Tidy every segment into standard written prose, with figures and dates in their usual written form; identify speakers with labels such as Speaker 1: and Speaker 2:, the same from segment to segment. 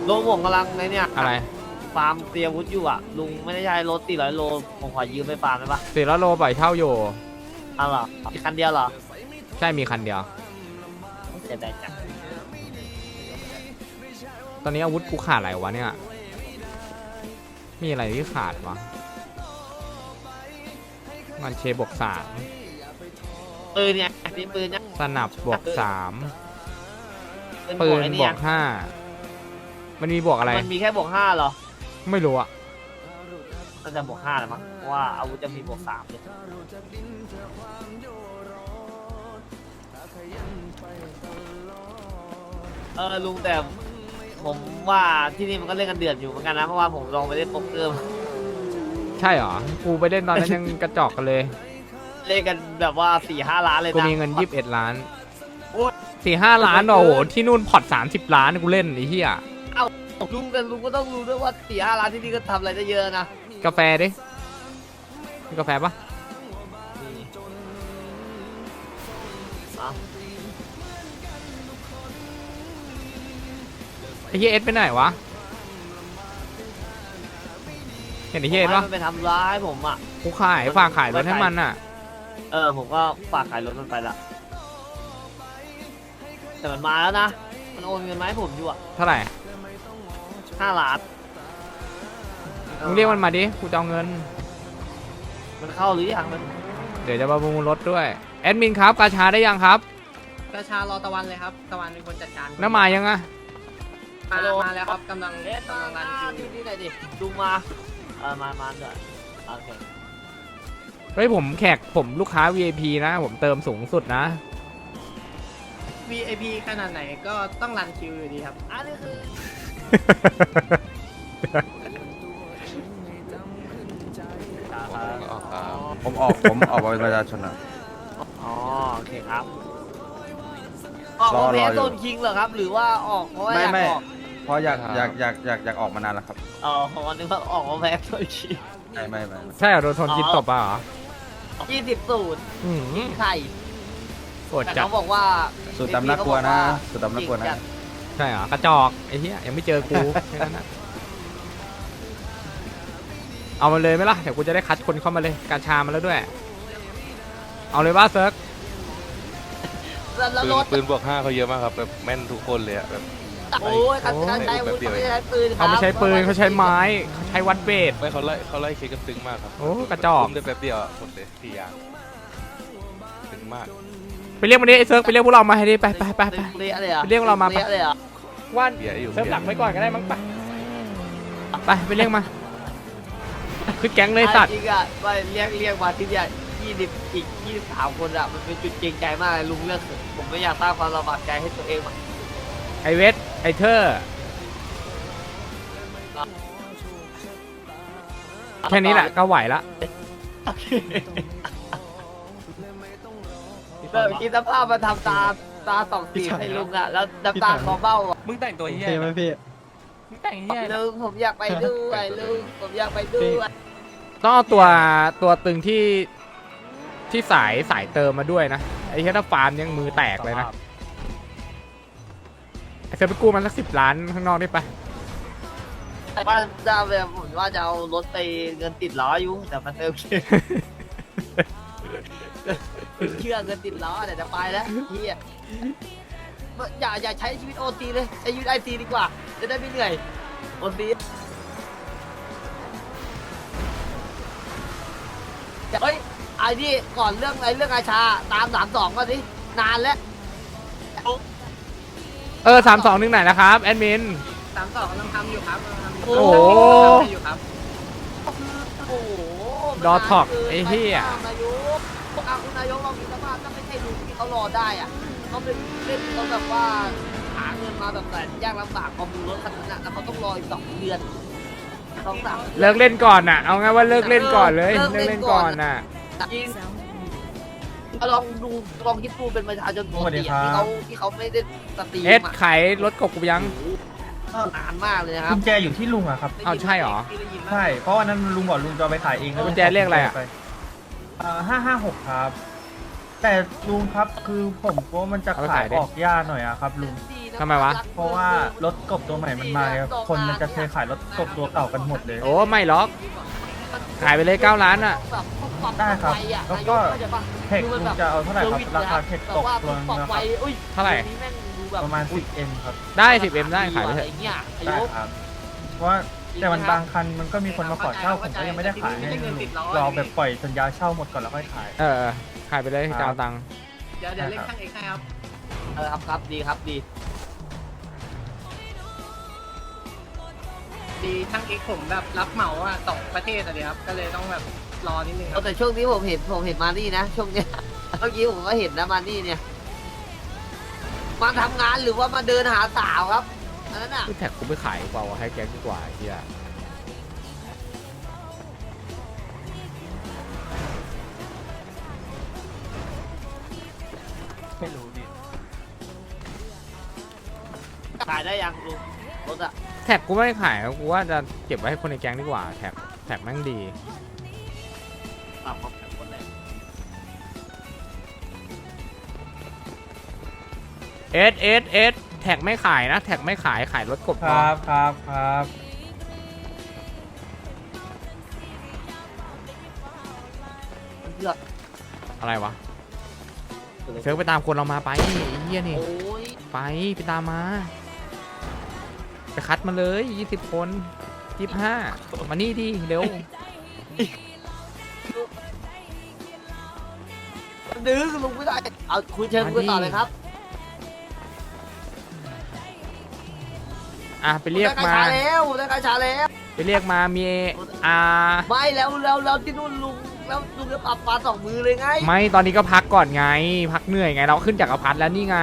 Speaker 1: ลุงผมกำลังในเนี่ย
Speaker 2: อะไร
Speaker 1: ฟาร์มเตรียมวุฒิอยู่อ่ะลุงไม่ได้ใช้รถ400 โลผมขอยืมไปฟาร์มได้ปะ
Speaker 2: 400 โลปล่อยเช่าอยู่
Speaker 1: อ้าวเหรอมีคันเดียวเหรอ
Speaker 2: ใช่มีคันเดียว
Speaker 1: เสียดายจัง
Speaker 2: ตอนนี้อาวุธกูขาดอะไรวะเนี่ยมีอะไรที่ขาดวะมันเชบวก3
Speaker 1: ปืนเนี่ยมีปืนเนี่ย
Speaker 2: สนับบวก3ปืนบวก5มันมีบวกอะไร
Speaker 1: มันมีแค่บวก5เหรอ
Speaker 2: ไม่รู้อะ
Speaker 1: น่าจะบวก5แหละมั้งเพราะว่าอาวุธจะมีบวก3เลยลุงแต่ผมว่าที่นี่มันก็เล่นกันเดือดอยู่เหมือนกันนะเพราะว่าผมลองไปเล่นโป๊กเกอร์
Speaker 2: ใช่เหรอกูไปเล่นตอนนั้นยังกระจอกกันเลย
Speaker 1: เล่นกันแบบว่า4-5 ล้านเลยนะ
Speaker 2: กูมีเงิน21 ล้าน4-5 ล้านโอ้โหที่นู่นพอร์ต30 ล้านกูเล่นไอ้เหี้ย
Speaker 1: ลุงแต่ลุงก็ต้องรู้ด้วยว่า4-5 ล้านที่นี่ก็ทำอะไรได้เยอะนะ
Speaker 2: กาแฟดิมีกาแฟปะไอ้เหี้ยเอสไปไหนวะเห็นไอ้เหี้ยเอสปะ
Speaker 1: มันไปทำร้ายผมอ่ะ
Speaker 2: กูฝากขายรถให้มันอ่ะ
Speaker 1: ผมก็ฝากขายรถมันไปละแต่มันมาแล้วนะมันโอนเงินมาให้ผมอยู่อ่ะ
Speaker 2: เท่าไหร่
Speaker 1: 5 ล้าน
Speaker 2: มึงเรียกมันมาดิกูจะเอาเงิน
Speaker 1: มันเข้าหรือยังมัน
Speaker 2: เดี๋ยวจะมาประมูลรถด้วยแอดมินครับกาชาได้ยังครับ
Speaker 3: กาชารอตะวันเลยครับตะวันเป็นคนจัดการ
Speaker 2: น้ำมายังอะ
Speaker 3: มาแล้วครับกำลังรันคิว
Speaker 1: ที่ไหนดิลุงมามาด้วยโอเค
Speaker 2: เฮ้ยผมผมลูกค้า VIP นะผมเติมสูงสุดนะ
Speaker 3: VIP ขนาดไหนก็ต้องรันคิวอยู่ดีครับ
Speaker 1: อันนี้คือ
Speaker 4: ผมออกมาเป็นประชาชนอ่ะ
Speaker 1: อ๋อโอเคครับออกมาเป็นโซนคิงเหรอครับหรือว่าออกเพราะว่าอยากออก
Speaker 4: เพราะอยากออกมานานแล้วครับ
Speaker 1: อ๋อผมนึกว่าออกมาแพ้โซนคิง
Speaker 4: ไม่
Speaker 2: ใช่เหรอโดนทนกินตบป่ะเหรอ
Speaker 1: 20-0ไข่
Speaker 2: โกรธจัด
Speaker 1: เขาบอกว่า
Speaker 4: สุดตำนักกลัวนะสุดตำนักกลัวนะ
Speaker 2: ใช่เหรอกระจอกไอ้เหี้ยยังไม่เจอกูแค่นั้นนะเอามาเลยไหมล่ะเดี๋ยวกูจะได้คัดคนเข้ามาเลยกาชามาแล้วด้วยเอาเลยว่าเซิร์ก
Speaker 5: ปืนบวก5เขาเยอะมากครับแบบแม่นทุกคนเลยอะแบบ
Speaker 1: โอ้ยการใช้อาวุธเขาไม่ใช้ปืน
Speaker 2: เขาไม่ใช้ปืนเขาใช้ไม้เขาใช้วัดเบส
Speaker 5: ไม่เขาไล่เคกันตึงมากครับ
Speaker 2: โอ้กระจอก
Speaker 5: ได้แป๊บเดียวหมดเลย4 อย่างตึงมาก
Speaker 2: ไปเรียกมันดิไอ้เซิร์กไปเรียกพวกเรามาให้ดิไปไปเรียกเรามาไปว่านเซิร์ฟหลักไว้ก่อนก็ได้มั้งไปเรียกมาคือแก๊งเลยสัตว์
Speaker 1: จริงอ่ะไปเรียกมาที่เนี่ย23 คนอ่ะมันเป็นจุดเกรงใจมากเลยลุงเลือกผมไม่อยากสร้างความลำบากใจให้ตัวเองอ่ะ
Speaker 2: ไอเวทไอเธอแค่นี้แหละก็ไหวละ
Speaker 1: คิดสภาพมาทำตา2 สีให้ลุงอ่ะแล้วน้ำตาคอเบ้าอ่ะ
Speaker 3: มึงแต่งตัวเหี้ย
Speaker 4: ไหมพี่
Speaker 3: มึงแต่งเหี้ย
Speaker 1: ลุงผมอยากไปด้วยลุงผมอยากไปด้วย
Speaker 2: ต้องเอาตัวตึงที่สายเติมมาด้วยนะไอ้เหี้ยถ้าฟาร์มยังมือแตกเลยนะไอ้เซอร์ไปกู้มันสัก10 ล้านข้างนอกได้ปะ
Speaker 1: ว่าจะแบบผมว่าจะเอารถไปเงินติดล้ออยู่แต่มันเติมเชื่อเงินติดล้อแต่จะไปแล้วเฮียอย่าใช้ชีวิตโอทีเลยใช้ชีวิตไอทีดีกว่าจะได้ไม่เหนื่อยโอทีเฮ้ยไอ้นี่ก่อนเรื่องอาชาตาม32ก่อนสินานแล้ว
Speaker 2: 32นึงไหนนะครับแอดมิน
Speaker 3: 32กำลังทำอยู่ครับ
Speaker 2: โอ้โหดอทอกไอ้เหี้ย
Speaker 1: คุณนายกเรามีสภาพถ้าไม่ใช่ลุงที่เขารอได้อ่ะเขาเป็นเล่นเขาแบบว่าหาเงินมาแบบแต่ยากลำบากประมูลรถคันนั้นแล้วเขาต้องรออีก2 เดือน2-3
Speaker 2: เลิกเล่นก่อนน่ะเอาไงว่าเลิกเล่นก่อนเลยเลิกเล่นก่อนน่ะ
Speaker 1: จริงลองคิดดูเป็นประชาชนปกติที่เขาไม่ได้สตรีม
Speaker 2: เอสขายรถกบกูยัง
Speaker 1: นานมากเลยครับ
Speaker 4: กุญแจอยู่ที่ลุงอะครับ
Speaker 2: เอาใช่หรอ
Speaker 4: ใช่เพราะวันนั้นลุงบอกลุงจะไปขายเองแล้ว
Speaker 2: กุญแจเรียกอะไรอะ
Speaker 4: 556ครับแต่ลุงครับคือผมว่ามันจะขายออกยากหน่อยอะครับลุง
Speaker 2: ทำไมวะ
Speaker 4: เพราะว่ารถกบตัวใหม่มันมาครับคนมันจะเคยขายรถกบตัวเก่ากันหมดเลย
Speaker 2: โอ้ไม่หรอกขายไปเลย9 ล้านอ่ะ
Speaker 4: ได้ครับแล้วก็ เทคลุงจะเอาเท่าไหร่ครับราคาเทคตกตัวนึงนะครับ
Speaker 2: เท่าไหร่
Speaker 4: ประมาณ 10M ครับ
Speaker 2: ได้ 10M ได้ขายไปเถอะ
Speaker 4: ได้ครับ เพราะว่าแต่มันบางคันมันก็มีคนมาขอเช่าผมก็ยังไม่ได้ขายให้ลุงรอแบบปล่อยสัญญาเช่าหมดก่อนแล้วค่อยขาย
Speaker 2: ขายไปเลยจะเอาตังค์
Speaker 3: เดี๋ยวเล่นช่างเอกให้ครับ
Speaker 1: ครับดีครับดี
Speaker 3: ดีช่างเอกผมแบบรับเหมาอ่ะ2 ประเทศอะเดียวครับก็เลยต้องแบบรอนิดนึงครับ
Speaker 1: แต่ช่วงนี้ผมเห็นมานี่นะช่วงเนี้ยเมื่อกี้ผมก็เห็นนะมานี่เนี่ยมาทำงานหรือว่ามาเดินหาสาวครับอันนั้นอ่ะ
Speaker 2: แท็กกูไม่ขายเปล่าให้แก๊งดีกว่าไอ้เฮีย
Speaker 4: ไม่รู้ดิ
Speaker 1: ขายได้ยังลุงรถอ่ะ
Speaker 2: แท็กกูไม่ขายกูว่าจะเก็บไว้ให้คนในแก๊งดีกว่าแท็กแม่งดี
Speaker 1: ปรับของแข็งคนเลย
Speaker 2: เอสแท็กไม่ขายนะแท็กไม่ขายรถกบ
Speaker 4: ค
Speaker 2: พอ
Speaker 4: รับครับ
Speaker 1: เลือก
Speaker 2: อะไรวะเซิร์ฟไปตามคนเรามาไปไอ้เฮียนี่
Speaker 1: โอ้ย
Speaker 2: ไปตามมาไปคัดมาเลย20 คน25มานี่ดิเร็ว
Speaker 1: ดื้อลุงไม่ได้เอาคุยเชิญคุยต่อเลยครับ
Speaker 2: ไปเรียกมา
Speaker 1: ได้กระชาแล้วได้กระชาแล้ว
Speaker 2: ไปเรียกมามี
Speaker 1: ไม่แล้วที่นู่นลุงแล้วลุงจะปรับปลา2 มือเลยไง
Speaker 2: ไม่ตอนนี้ก็พักก่อนไงพักเหนื่อยไงเราขึ้นจากอพาร์ตแล้วนี่ไง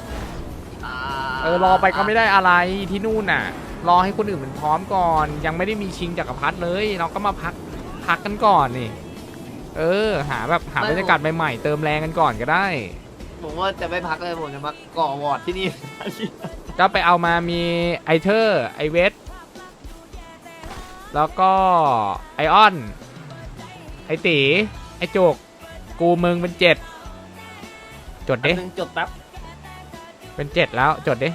Speaker 2: รอไปก็ไม่ได้อะไรที่นู่นน่ะรอให้คนอื่นมันพร้อมก่อนยังไม่ได้มีชิงจากอพาร์ตเลยเราก็มาพักกันก่อนนี่หาบรรยากาศใหม่ๆเติมแรงกันก่อนก็ได้
Speaker 1: ผมว่าจะไม่พักเลยผมจะมาก่อวอร์ดที่นี่
Speaker 2: ก็ไปเอามามีไอเทอร์ไอเวสแล้วก็ไอออนไอตีไอโจกกูมึงเป็น7จดดิ
Speaker 1: จดแป๊บ
Speaker 2: เป็น7แล้วจดดิ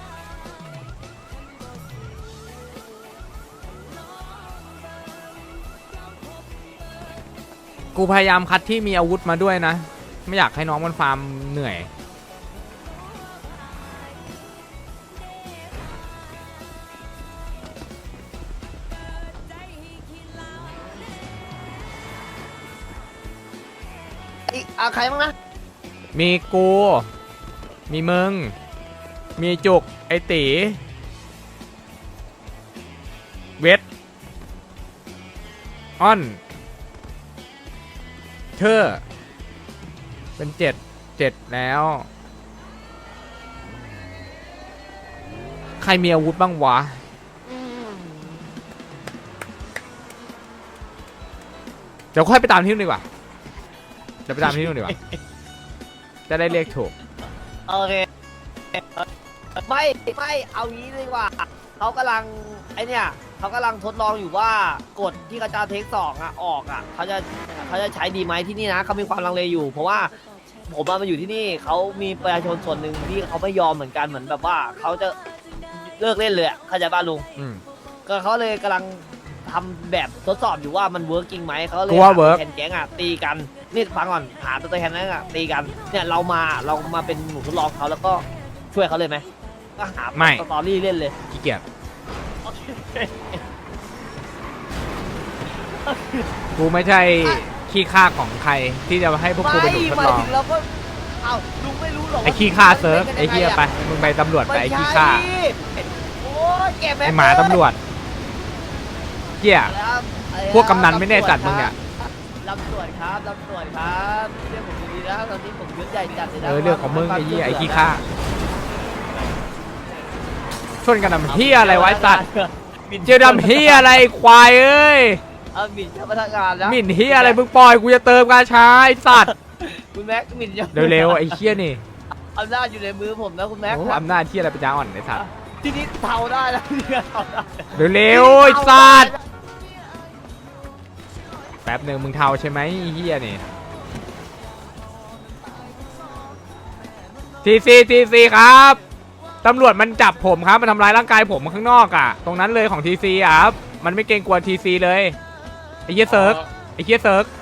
Speaker 2: กูพยายามคัดที่มีอาวุธมาด้วยนะไม่อยากให้น้องมันฟาร์มเหนื่อย
Speaker 1: อีกใครบ้างนะ
Speaker 2: มีกูมีมึงมีจุกไอตีเวทออนเธอเป็น7แล้ว ใครมีอาวุธบ้างวะเดี๋ยวค่อยไปตามที่นู่นดีกว่าเดี๋ยวไปตามที่นู่นดีกว่า จะได้เรียกถูก
Speaker 1: โอเคไม่เอางี้ดีกว่าเขากำลังเขากำลังทดลองอยู่ว่ากฎที่กระจาเทค2ออกเขาจะใช้ดีไหมที่นี่นะเขามีความลังเลอยู่ เพราะว่าผมมาอยู่ที่นี่เขามีประชาชนส่วนหนึ่งที่เขาไม่ยอมเหมือนกันเหมือนแบบว่าเขาจะเลิกเล่นเลยเข้าใจป่ะลุงก็เขาเลยกำลังทำแบบทดสอบอยู่ว่ามันเวิร์กจริงไหมเขาเลยหาตัวแทนแก๊งตีกันนี่ฟังก่อนหาตัวแทนนั้นตีกันเนี่ยเรามาเป็นหนูทดลองเขาแล้วก็ช่วยเขาเลยไหมก็หาสตอรี่เล่นเลย
Speaker 2: ขี้เกียจกูไม่ใช่ขี้ข้าของใครที่จะให้พวกกูเป็นหนูทดลอง
Speaker 1: ถึงเราก็เอาลุงไม่รู้หรอก
Speaker 2: ไอ้ขี้ข้าเซิร์ฟไอ้เหี้ยไปมึงไปตำรวจไปไอ้ขี้ข้า
Speaker 1: โอ้ยแก
Speaker 2: ไอ้หมาตำรวจเหี้ยพวกกำนันไม่แน่จัดมึงเนี่ย
Speaker 1: ตำรวจครับเรียกผมดีๆนะตอนนี้ผมยศใหญ่จัดเลยนะ
Speaker 2: เรื่องของมึงไอ้เหี้ยไอ้ขี้ข้าชนกันทำเหี้ยอะไรไวะไอ้สัตว์เจอดำเหี้ยอะไรควายเอ้ย
Speaker 1: หมิ่นเจ้าพนักงานแล้ว
Speaker 2: หมิ่นเหี้ยอะไรมึงปล่อยกูจะเติมกาชาไอ้สัตว์
Speaker 1: คุณแม็กหมิ่น
Speaker 2: เร็วๆไอ้เหี้ยนี่
Speaker 1: อำนาจอยู่ในมือผมนะคุณแม็ก
Speaker 2: โอ้อำนาจเหี้ยอะไรปัญญาอ่อนไอ้สัตว์
Speaker 1: ทีนี้เทาได้แล้วเทาได้
Speaker 2: เร็วๆไอ้สัตว์แป๊บหนึ่งมึงเทาใช่ไหมไอ้เหี้ยนี่ทีซีครับตำรวจมันจับผมครับมันทำร้ายร่างกายผมข้างนอกอ่ะตรงนั้นเลยของทีซีอ่ะครับมันไม่เกรงกลัวทีซีเลยไอ้เหี้ยเซิร์กไอ้เหี้ยเซิร์ก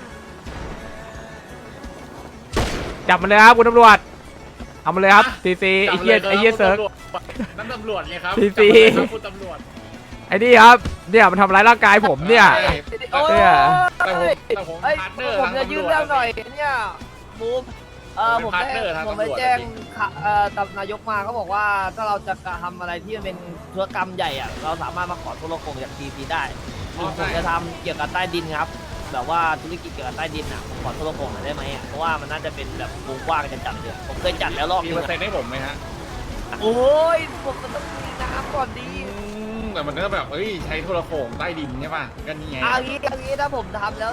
Speaker 2: จับมันเลยครับคุณตำรวจเอามาเลยครับทีซีไอ้เหี้ยเซิร์ก
Speaker 3: นั่นตำรวจไงครับ
Speaker 2: ทีซี
Speaker 3: คุณตำรวจ
Speaker 2: ไอ้นี่ครับเนี่ยมันทำร้ายร่างกายผมเนี่ย
Speaker 1: โอ้ย
Speaker 2: เนี่ย
Speaker 3: แต่ผม
Speaker 1: เอ้ย
Speaker 3: พาร์ทเนอร์
Speaker 1: ผม
Speaker 3: ทาง
Speaker 1: จะ
Speaker 3: ตำ
Speaker 1: ยื่
Speaker 3: ร
Speaker 1: น
Speaker 3: วจ
Speaker 1: เรื่องหน่อยเนี่ยบูมผม
Speaker 3: พาร์ทเน
Speaker 1: ได้
Speaker 3: อร์ทาง
Speaker 1: ผมไป
Speaker 3: ตำรวจ
Speaker 1: แจ้ง
Speaker 3: ดิ
Speaker 1: ตำนายกมาเขาบอกว่าถ้าเราจะทำอะไรที่มันเป็นธุรกรรมใหญ่อะเราสามารถมาขอโทรโขงจากทีซีได้ผมจะทำเกี่ยวกับใต้ดินครับแบบว่าธุรกิจเกี่ยวกับใต้ดินอะผมขอโทรโขงหน่อยได้ไหมอะเพราะว่ามันน่าจะเป็นแบบวงกว้างจะจัดเลยผมเคยจัดแล้วรอบ
Speaker 3: มี
Speaker 1: นึ
Speaker 3: เปอง ร์เซ็น
Speaker 1: อะ
Speaker 3: ต์ให้ผมไหมฮะ
Speaker 1: โอ้ยผมมันต้องมีน้ำก่อนดี
Speaker 3: แต่มันก็แบบเอ้ยใช้โทรโขงใต้ดินใช่ป่ะก็นี่ไง
Speaker 1: เอางี้ถ้าผมทำแล้ว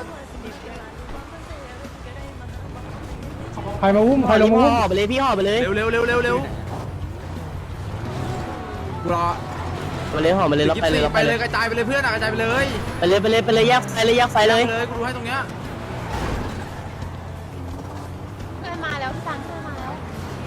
Speaker 4: ใครมาอุ้มใครลงมาอุ้ม
Speaker 6: ห่อไปเลยพี่ห่อไปเลย
Speaker 7: เร็วกูรอ
Speaker 6: ไปเลยห่อไปเลยแล้วไปเลย
Speaker 7: ไปเลยกระจายไปเลยเพื่อนกระจายไปเลย
Speaker 6: ไปเลยแยกไฟเลยแยกไฟเลย
Speaker 7: กูดูให้ตรงเนี้ย
Speaker 8: เพื่อนมาแล้วพี่ตังเพื่อนมาแล้ว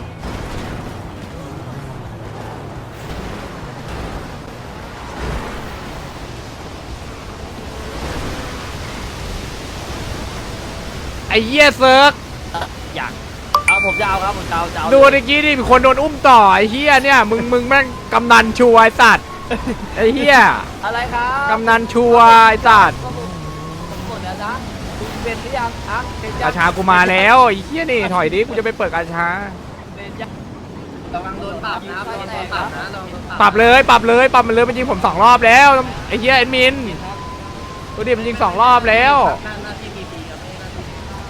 Speaker 2: ไอ้เหี้ยเซิร์ก
Speaker 1: อยากเอาผมจะเอาครับผมจะเอา
Speaker 2: ดูเมื่อกี้ดิมีคนโดนอุ้มต่อไอ้เหี้ยเนี่ยมึงแม่งกำนันชัวร์ไอ้สัตว์ไอ้เหี้ย
Speaker 1: อะไรครับ
Speaker 2: กำนันชัวร์ไอ้สัตว์
Speaker 1: ผมหมดแล้วนะคุณเป็นหรือยังฮะเป็น
Speaker 2: กาชากูมาแล้วไอ้เหี้ยนี่ถอยดิกูจะไปเปิดกาชา
Speaker 1: เป็นยัง
Speaker 3: ระวังโดนปรับนะระวังโดนปรับนะระวังโดน
Speaker 2: ปรับเลยปรับมันเลยมันยิงผม2 รอบแล้วไอ้เหี้ยแอดมินดูดิมันยิง2 รอบแล้ว
Speaker 3: หน้าที่พีครับไม่ใช่หน้าที่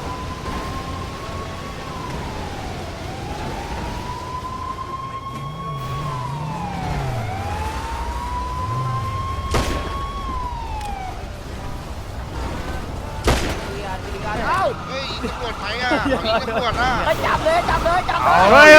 Speaker 1: เอ้า
Speaker 9: เฮ้ยตำรวจไหมอ่ะตำรวจอ่ะ
Speaker 1: จับเลยจับเลย
Speaker 2: เฮ้ย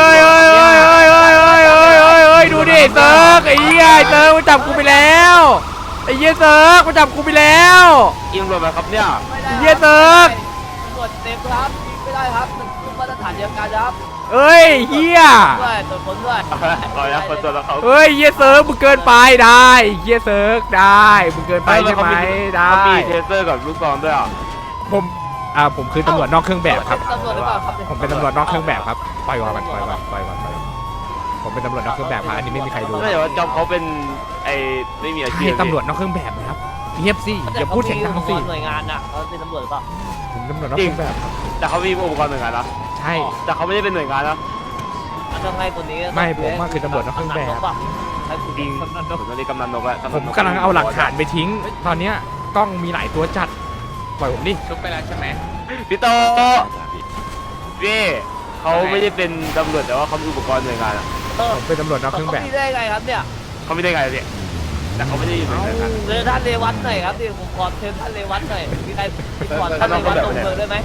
Speaker 2: ดูดิเซิร์กไอ้เหี้ยเซิร์กมันจับกูไปแล้วไอ้เหี้ยเซิร์กมันจับกูไปแล้ว
Speaker 6: ยิงรถมาครับเนี่ย
Speaker 2: เหี้ยเซิร์ก
Speaker 1: ตรวจเต็มครับยิงไม่ได้ครับมันคือมาตรฐานเดียวกันครับ
Speaker 2: เอ้ยเหี้ย
Speaker 1: ด้วยตรวจค้นด้วย
Speaker 6: ต่อยนะคนตัวแล้วเขา
Speaker 2: เฮ้ยเหี้ยเซิร์กมึงเกินไปได้เหี้ยเซิร์กได้มึงเกินไปใช่ไหมได้
Speaker 6: เขามีเทเซอร์กับลูกซองด้วยอ่ะ
Speaker 2: ผมคือตำรวจนอกเครื่องแบบครับ
Speaker 1: ตำรวจหรือเปล่าครับ
Speaker 2: ผมเป็นตำรวจนอกเครื่องแบบครับปล่อยก่อนผมเป็นตำรวจนอกเครื่องแบบครับอันนี้ไม่มีใครรู้
Speaker 6: ไม่แต่ว่าจอมเขาเป็นไอ้ไม่มีอาชี
Speaker 2: ใช่
Speaker 6: พ
Speaker 2: ตำรวจนอกเครื่องแบบนะครับเงียบสิอย่าพูดเสียงดังสิ
Speaker 1: หน่วยงานน่ะเขาเป็นตำรวจหรือเปล่า
Speaker 2: ผมตำรวจนอกเครื่องแบบครับ
Speaker 6: แต่เขามีอุปกรณ์หน่วยงานนะ
Speaker 2: ใช่
Speaker 6: แต่เขาไม่ได้เป็นหน่วยงานนะ
Speaker 1: ต้องให้คนนี้
Speaker 2: ไม่ผมว่าคือตำรวจนอกเครื่องแบบ
Speaker 1: ให้คุณ
Speaker 6: จริงผมตอนนี้กำนันนกแล้ว
Speaker 2: ผมกำลังเอาหลักฐานไปทิ้ง ตอนเนี้ยกล้องมีหลายตัวจัดปล่อยผมดิ
Speaker 3: ชุบไปแล้วใช่ไหม
Speaker 6: พี่โตพี่เขาไม่ได้เป็นตำรวจแต่ว่าเขามีอุปกรณ์หน่วยงานอ่ะ
Speaker 2: ผมเป็นตำรวจนอกเครื่องแบบ
Speaker 1: พี่ได้ไงครับเนี่ย
Speaker 6: เขาไม่ได้ไงพี่แต่เขาไม่ได้อยู่ในหน่วยงาน
Speaker 1: เจอท่านเรวัตหน่อยครับดิผมขอเชิญท่านเรวัตหน่อยมีใครติดต่อท่านเรวัตตรงเมืองได้ไหม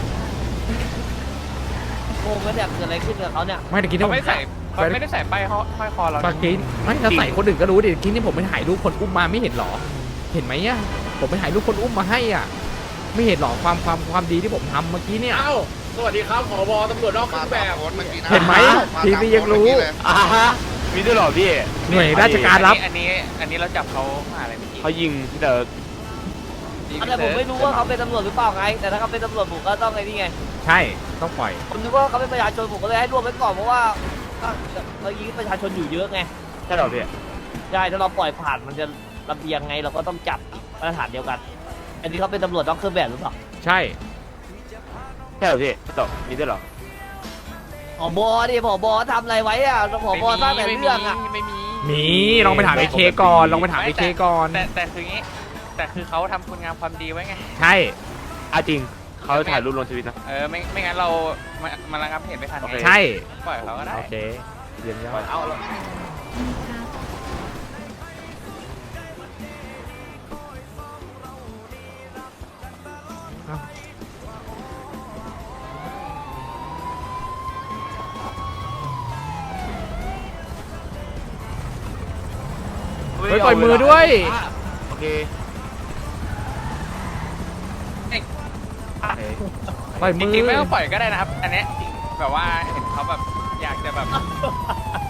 Speaker 1: งงแล้วเนี่ยเกิดอะไรขึ้นกับเขาเนี่ย
Speaker 2: ไม่ตะกี้ที่ผม
Speaker 3: ไม่ได้ใส่ป้ายห้อยคอเรา
Speaker 2: ตะกี้ไม่ถ้าใส่คนอื่นก็รู้ดิที่นี่ผมไปถ่ายรูปคนอุ้มมาไม่เห็นหรอ เห็นไหมอ่ะผมไปถ่ายรูปคนอุ้มมาให้อ่ะไม่เห็นหรอความดีที่ผมทำเมื่อกี้เนี่ย
Speaker 3: เอ้าสวัสดีครับผบตำรวจนอกเค
Speaker 9: มา
Speaker 3: รื่องแบ
Speaker 9: ตาม
Speaker 3: บ
Speaker 9: โค้ดเมื่อกี้นะ
Speaker 2: เห็นไหม
Speaker 9: มา
Speaker 2: ทีวียังรู้
Speaker 9: ตามโค้ดเมื่อกี้เลย
Speaker 6: อ่าฮะมีด้วยเหรอพี่
Speaker 2: หน่วยราชการรับ
Speaker 3: อันนี้เราจับเขามาอะไรเมื่อกี้
Speaker 6: เขายิงแต่
Speaker 1: แต่ผมไม่รู้ว่าเขาเป็นตำรวจหรือเปล่าไง แต่ถ้าเขาเป็นตำรวจผมก็ต้องไงนี่ไง
Speaker 2: ใช่ต้องปล่อย
Speaker 1: ผมนึกว่าเขาเป็นประชาชนผมก็เลยให้รวมไว้ก่อนเพราะว่าเรายิงประชาชนอยู่เยอะไง
Speaker 6: ใช่เหรอพี่
Speaker 1: ใช่ถ้าเราปล่อยผ่านมันจะระเบียงไงเราก็ต้องจับมาตรฐานเดียวกัน อันนี้เขาเป็นตำรวจต้องเครื่องแบบหรือเปล่า
Speaker 2: ใช่
Speaker 6: ใช่เหรอพี่พี่โตมีด้วยเหรอ
Speaker 1: ผบดิผบทำอะไรไว้อะผบสร้างแต่เรื่องอะ
Speaker 3: ไม่มี
Speaker 2: มีลองไปถามไอเคก่อนลองไปถามไอเคก่อน
Speaker 3: แต่คืองี้แต่คือเขาทำคุณงามความดีไว้ไง
Speaker 2: ใช่
Speaker 6: อ่ะจริงเขาถ่ายรูปลงทวิตนะ
Speaker 3: ไม่งั้นเรามาระงับเหตุไม่ทัน
Speaker 6: โอเค
Speaker 2: ใช่
Speaker 3: ปล่อยเขาก็ได้
Speaker 2: โอเคเยี่ยมยอด
Speaker 3: เอา
Speaker 2: เฮ้ยปล่อยมือด้วย
Speaker 6: โอเค
Speaker 2: ปล่อย
Speaker 3: จ
Speaker 2: มือ
Speaker 3: ริงๆไม่ต้องปล่อยก็ได้นะครับ อันเนี้ยแบบว่าเห็นเขาแบบอยากจะแบบ